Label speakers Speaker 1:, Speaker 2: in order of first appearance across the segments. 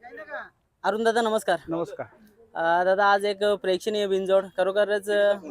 Speaker 1: अरुण दादा नमस्कार.
Speaker 2: नमस्कार.
Speaker 1: दादा आज एक प्रेक्षणीय बिनजोड खरोखरच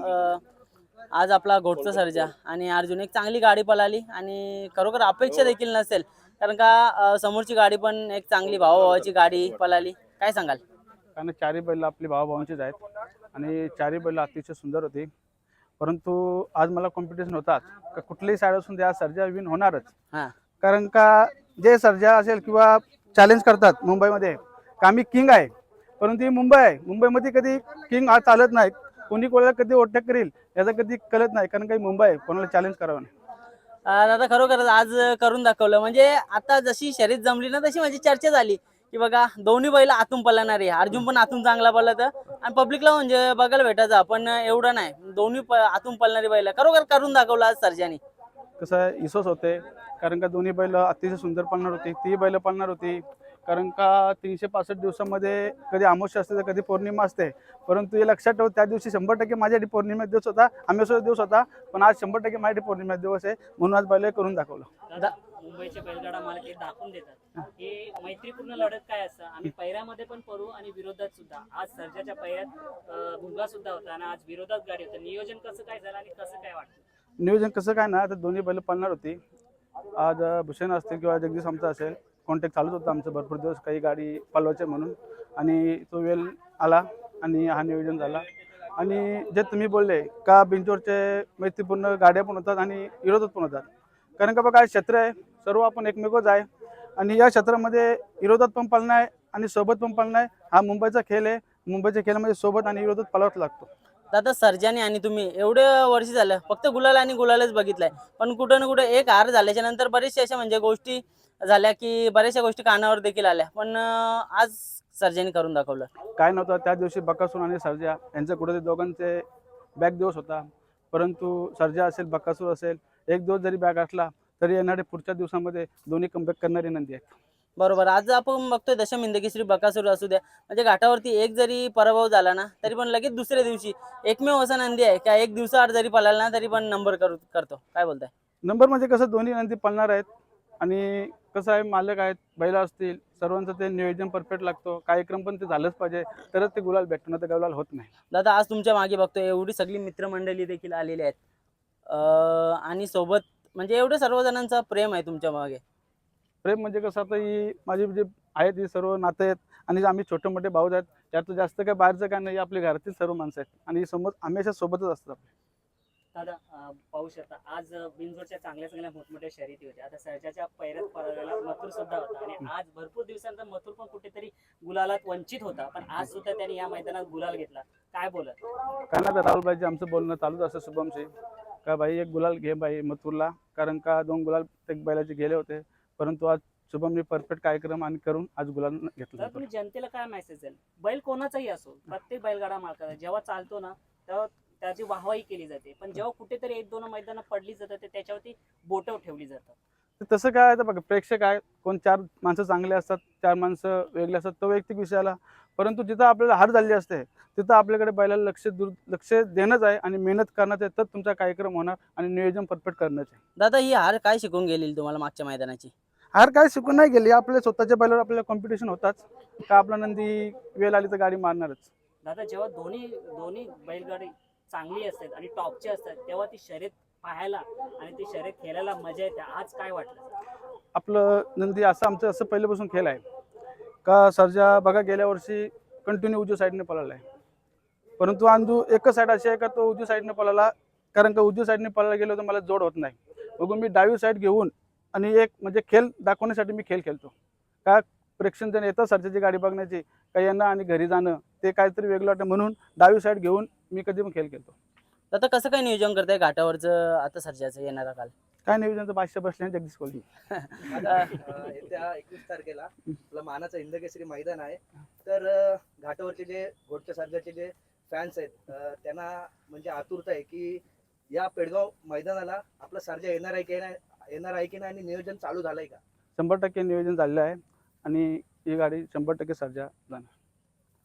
Speaker 1: आज आपला घोटचा सर्जा आणि अर्जुन एक चांगली गाडी पळाली आणि खरोखर अपेक्षा देखील नसेल कारण का समोरची गाडी पण एक चांगली भावाभावाची गाडी पळाली. काय सांगाल?
Speaker 2: कारण चारही बैल आपली भावाभावांचीच आहेत आणि चारही बैल अतिशय सुंदर होती. परंतु आज मला कॉम्पिटिशन होताच का कुठलीही साईड असून त्या सर्जा विन होणारच.
Speaker 1: हां
Speaker 2: कारण का जे सर्जा असेल किंवा चॅलेंज करतात मुंबईमध्ये का आम्ही किंग आहे, परंतु ही मुंबई आहे. मुंबईमध्ये कधी किंग आज चालत नाही. कोणी कोणाला कधी ओटक करेल याचं कधी कळत नाही, कारण काही मुंबई आहे, कोणाला चॅलेंज करावं नाही.
Speaker 1: दादा खरोखरच आज करून दाखवलं. म्हणजे आता जशी शर्यत जमली ना तशी माझी चर्चा झाली की बघा दोन्ही बैल आतून पळणार आहे. अर्जुन पण आतून चांगला पळत आणि पब्लिकला म्हणजे बघायला भेटायचं पण एवढं नाही. दोन्ही आतून पळणारी बैल खरोखर करून दाखवलं आज सर्जानी.
Speaker 2: कसं आहे इसोस होते, कारण का दोन्ही बैल अतिशय सुंदर पळणार होती. ती बैल पळणार होती कारण का 365 दिवसामध्ये कधी अमावस्या असते तर कधी पौर्णिमा असते. परंतु हे लक्षात ठेव, त्या दिवशी 100% माझ्यासाठी पौर्णिमा दिवस होता, अमावस्या दिवस होता, पण आज 100% माझ्यासाठी पौर्णिमा दिवस आहे. म्हणून आज बैल करून दाखवलं.
Speaker 3: मुंबईचे बैलगाडा मालक हे दाखवून देतात हे मैत्रीपूर्ण लढत काय असतं. आम्ही पैऱ्यामध्ये पण पडू आणि विरोधात सुद्धा. आज सर्जाच्या पैऱ्यात भुंगा सुद्धा होता आणि आज विरोधात गाडी होतं. नियोजन कसं काय झालं आणि कसं काय वाटतं?
Speaker 2: नियोजन कसं काय ना, तर दोन्ही बैल पळणार होती. आज भूषण असतील किंवा जगदीश आमचा असेल, कॉन्टॅक्ट चालूच होता आमचं भरपूर दिवस काही गाडी पळवायची म्हणून, आणि तो वेळ आला आणि हा नियोजन झाला. आणि जे तुम्ही बोलले का बिंजोरचे मैत्रीपूर्ण गाड्या पण होतात आणि विरोधात पण होतात, कारण का बघा क्षेत्र आहे, सर्व आपण एकमेकच आहे आणि या क्षेत्रामध्ये विरोधात पण पळणं आहे आणि सोबत पण पळणं आहे. हा मुंबईचा खेळ आहे. मुंबईच्या खेळामध्ये सोबत आणि विरोधात पळावाच लागतो.
Speaker 1: दादा सर्जानी आणि तुम्ही एवढे वर्ष झालं फक्त गुलाल आणि गुलालच बघितलाय, पण कुठं ना कुठं एक हार झाल्याच्या नंतर बरेचशा अशा म्हणजे गोष्टी झाल्या की बऱ्याचशा गोष्टी कानावर देखील आल्या, पण आज सर्जानी करून दाखवलं.
Speaker 2: काय नव्हतं त्या दिवशी बकासूर आणि सर्जा यांचं कुठेतरी दोघांचे बॅक दिवस होता. परंतु सर्जा असेल बकासूर असेल, एक दिवस जरी बॅक असला तरी येणारे पुढच्या दिवसामध्ये दोन्ही कमबॅक करणारी नंदी आहेत.
Speaker 1: बरोबर. आज आपण बघतोय दशम हिंदकेसरी बकासूर असू द्या, म्हणजे घाटावरती एक जरी पराभव झाला ना तरी पण लगेच दुसऱ्या दिवशी एकमेव असा नंदी आहे का एक दिवसाआड जरी पळाला ना तरी पण नंबर करतो. काय बोलताय?
Speaker 2: नंबर म्हणजे कसं दोन्ही नंदी पळणार आहेत आणि कसं आहे मालक आहेत, बैला असतील, सर्वांचं ते नियोजन परफेक्ट लागतो. कार्यक्रम पण ते झालंच पाहिजे तरच ते गुलाल भेटणं, तर गुलाल होत नाही.
Speaker 1: दादा आज तुमच्या मागे बघतोय एवढी सगळी मित्रमंडळी देखील आलेली आहेत आणि सोबत म्हणजे एवढे सर्वजणांचा प्रेम आहे तुमच्या मागे.
Speaker 2: प्रेम म्हणजे कसं, आता ही माझी जे आहेत ही सर्व नाते आहेत आणि आम्ही छोटे मोठे भाऊ आहेत. त्यात जास्त काय बाहेरचं काय नाही, आपल्या घरातील सर्व माणसं आहेत आणि समोर हमेशा सोबतच असतात.
Speaker 3: दादा पाहू शकता आज बिनजोडच्या चांगल्या चांगल्या मोठमोठ्या शर्यती होत्या. आता सर्जाच्या पैऱ्यात पळालेला मथुर सुद्धा होता आणि आज भरपूर दिवसांचा मथुर पण कुठेतरी गुलालात वंचित होता, पण आज सुद्धा त्याने या मैदानात गुलाल घेतला. काय बोलत?
Speaker 2: काय ना, राहुल भाईजी आमचं बोलणं चालूच असतं शुभमशी का भाई एक गुलाल घे भाई मथुरला, कारण का 2 गुलाल एक बैलाचे गेले होते. परंतु आज शुभमने परफेक्ट कार्यक्रम आणि करून आज गुलाल घेतला.
Speaker 3: तर तुम्ही जनतेला काय मेसेज द्याल? बैल कोणाचाही असो, प्रत्येक बैलगाडा मालकाचा जेव्हा चालतो ना तेव्हा त्याची वाहवाही केली जाते, पण जेव्हा कुठेतरी 1-2 मैदानं पडली जातात त्याच्यावरती बोटं ठेवली जातात.
Speaker 2: तसं काय तर बघा, प्रेक्षक आहे, कोण 4 माणसं चांगले असतात, 4 माणसं वेगळे असतात, तो वैयक्तिक विषयाला. परंतु जिथं आपल्याला हार झालेली असते तिथं आपल्याकडे बैलाला लक्ष देणंच आहे आणि मेहनत करण्याचं आहे, तर तुमचा कार्यक्रम होणार आणि नियोजन परफेक्ट करण्याचं आहे.
Speaker 1: दादा ही हार काय शिकून गेली तुम्हाला मागच्या मैदानाची?
Speaker 2: हार काय शिकून नाही गेली, आपल्या स्वतःच्या बैलावर आपल्याला कॉम्पिटिशन होताच का आपला नंदी वेळ आली तर गाडी मारणारच.
Speaker 3: दादा जेव्हा दोन्ही दोन्ही बैलगाडी चांगली असतात आणि टॉपची असतात तेव्हा ती शर्यत पाहायला आणि ती शर्यत खेळायला मजा येते. आज काय वाटलं?
Speaker 2: आपलं नंदी असं आमचं असं पहिल्यापासून खेळ आहे का सर्जा बघा गेल्या वर्षी कंटिन्यू उजव्या साईडने पळाला आहे, परंतु अंदू एकच साईड अशी आहे का तो उजव्या साईडने पळाला, कारण का उजव्या साईडने पळायला गेलो तर मला जोड होत नाही. बघून मी डावी साईड घेऊन आणि एक म्हणजे खेळ दाखवण्यासाठी मी खेळ खेळतो का प्रेक्षण जण येतं सर्जाची गाडी बघण्याची का येणं आणि घरी जाणं ते काहीतरी वेगळं वाटतं, म्हणून डावी साईड घेऊन मी कधी पण खेळ खेळतो.
Speaker 1: दादा कसं काय नियोजन करताय घाटावरचं आता सर्जाचं येणारा काल?
Speaker 2: काय नियोजनचं बादशाह बसले जगदीश कोहली.
Speaker 4: आता येत्या 21 तारखेला आपलं मानाचं हिंदकेसरी मैदान आहे, तर घाटावरचे जे घोटच्या सर्जाचे जे फॅन्स आहेत त्यांना म्हणजे आतुरता आहे की या पेडगाव मैदानाला आपला सर्जा येणार आहे की नाही आणि नियोजन चालू झालंय का?
Speaker 2: 100% नियोजन झालेलं आहे आणि ही गाडी 100% सर्जा जाणार.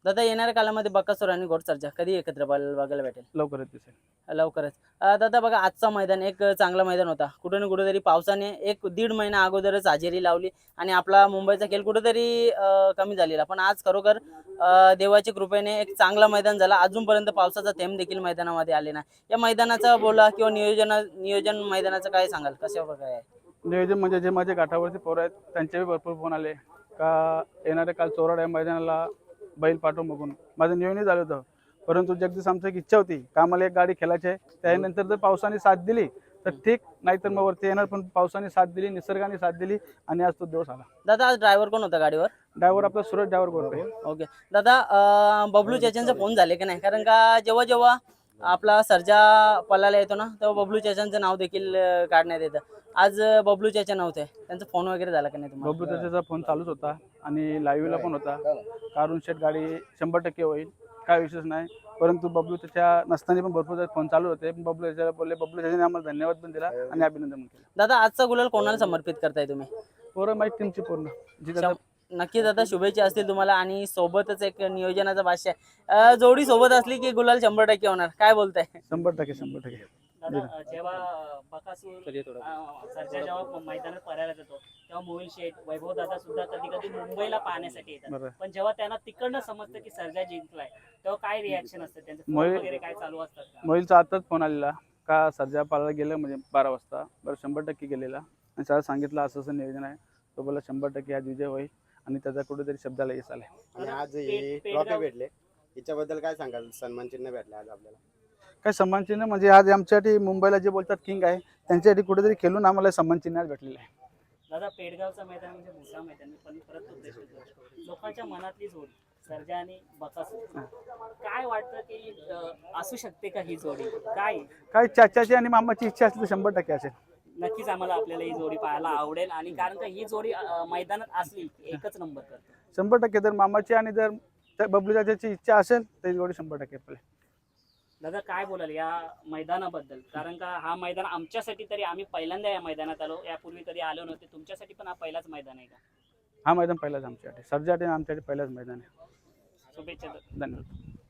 Speaker 1: दादा येणाऱ्या काळामध्ये बकासूर आणि घोडसरजा कधी एकत्र बघायला भेटेल?
Speaker 2: लवकरच दिसेल.
Speaker 1: लवकरच. दादा बघा आजचा मैदान एक चांगला मैदान होता. कुठे ना कुठेतरी पावसाने एक दीड महिना अगोदरच हजेरी लावली आणि आपला मुंबईचा खेळ कुठेतरी कमी झालेला. पण आज खरोखर देवाच्या कृपेने एक चांगला मैदान झाला. अजूनपर्यंत पावसाचा थेंब देखील मैदानामध्ये आले नाही. या मैदानाचा बोला किंवा नियोजन मैदानाचं काय सांगाल, कशा प्रकारे आहे?
Speaker 2: नियोजन म्हणजे जे माझे घाटावरचे पोरं आहेत त्यांचेही भरपूर फोन आले का येणाऱ्या काल चोराड या मैदानाला बैल पाठवून बघून माझं नियोजन झालं होतं. परंतु जगदीश आमची एक इच्छा होती का आम्हाला एक गाडी खेळायची आहे. त्यानंतर जर पावसाने साथ दिली तर ठीक, नाहीतर मग वरती येणार. पण पावसाने साथ दिली, निसर्गाने साथ दिली आणि आज तो दिवस आला.
Speaker 1: दादा आज ड्रायव्हर कोण होता गाडीवर?
Speaker 2: ड्रायव्हर आपला सुरत ड्रायव्हर बोलतोय.
Speaker 1: ओके दादा, बबलू चाचांचा फोन झाले की नाही? कारण का जेव्हा जेव्हा आपला सर्जा पलाला येतो ना तेव्हा बबलू चाचांचं नाव देखील काढण्यात येतं. आज बबलू चाचा नव्हते, त्यांचा फोन वगैरे झाला की नाही तुम्हाला?
Speaker 2: बबलू त्याचा फोन चालूच होता आणि लाईव्हला पण होता. कारून शेट गाडी 100% होईल, काय विशेष नाही. परंतु बबलू त्याच्या नसताना पण भरपूर फोन चालू होते. पण बबलू त्याच्याला बोलले, बबलू त्याच्याने आम्हाला धन्यवाद पण दिला आणि अभिनंदन पण केलं.
Speaker 1: दादा आजचा गुलाल कोणाला समर्पित करताय तुम्ही?
Speaker 2: पोरं माहीत टीमची पूर्ण जी त्याचा
Speaker 1: नक्कीच दादा, शुभेच्छा असतील तुम्हाला आणि सोबतच एक नियोजनाचा भाष्य आहे. जोडी सोबत असली की गुलाल 100% होणार, काय बोलताय?
Speaker 2: 100%.
Speaker 3: दादा जेव्हा बकासूर सरजा जेव्हा मैदानात पळायला जातो तेव्हा मोहिल शेठ, वैभव दादा सुद्धा कधी कधी मुंबईला पाहण्यासाठी येतात.
Speaker 2: बरं.
Speaker 3: पण जेव्हा त्यांना तिकडनं समजतं की सर्जा जिंकलाय तेव्हा काय रिॲक्शन असतं त्यांचं? फोन
Speaker 2: मोहिल-
Speaker 3: वगैरे काय चालू असतात का?
Speaker 2: मोहिलचा आताच फोन आलेला का सर्जा पाळायला गेलं म्हणजे 12 वाजता. बरं 100% गेलेला आणि त्याला सांगितलं असं असं नियोजन आहे. तो बोला 100% आज विजय होईल आणि त्याचा कुठेतरी शब्दाला यश आलाय.
Speaker 5: आणि आज ही ट्रॉफी भेटले, हिच्याबद्दल काय सांगाल? सन्मान चिन्ह भेटले आज आपल्याला.
Speaker 2: काय सन्मान चिन्ह म्हणजे आज आमच्यासाठी मुंबईला जे बोलतात किंग आहे त्यांच्यासाठी कुठेतरी खेळून आम्हाला सन्मान चिन्ह आज भेटलेलं आहे.
Speaker 3: दादा पेडगावचं मैदान म्हणजे मोठा मैदान, मी पण परत उद्देश देतो. लोकांच्या मनातली जोडी सर्जा आणि बकासूर, काय वाटतं की असू शकते का ही जोडी? काय
Speaker 2: चाचाची आणि मामाची इच्छा असली तर 100% असेल.
Speaker 3: नक्कीच आम्हाला आपल्याला ही जोडी पाहायला आवडेल आणि कारण का ही जोडी मैदानात असली की एकच नंबर करते.
Speaker 2: 100% जर मामाची आणि जर बबलू चाचाची इच्छा असेल तर ही जोडी 100% पडेल.
Speaker 3: दादा काय बोलाल या मैदानाबद्दल? कारण का हा मैदान आमच्यासाठी तरी, आम्ही पहिल्यांदा या मैदानात आलो, यापूर्वी कधी आलो नव्हते. तुमच्यासाठी पण हा पहिलाच मैदान आहे का?
Speaker 2: हा मैदान पहिलाच आमच्यासाठी, सर्जासाठी आमच्यासाठी पहिलाच मैदान आहे.
Speaker 3: शुभेच्छा.
Speaker 2: धन्यवाद.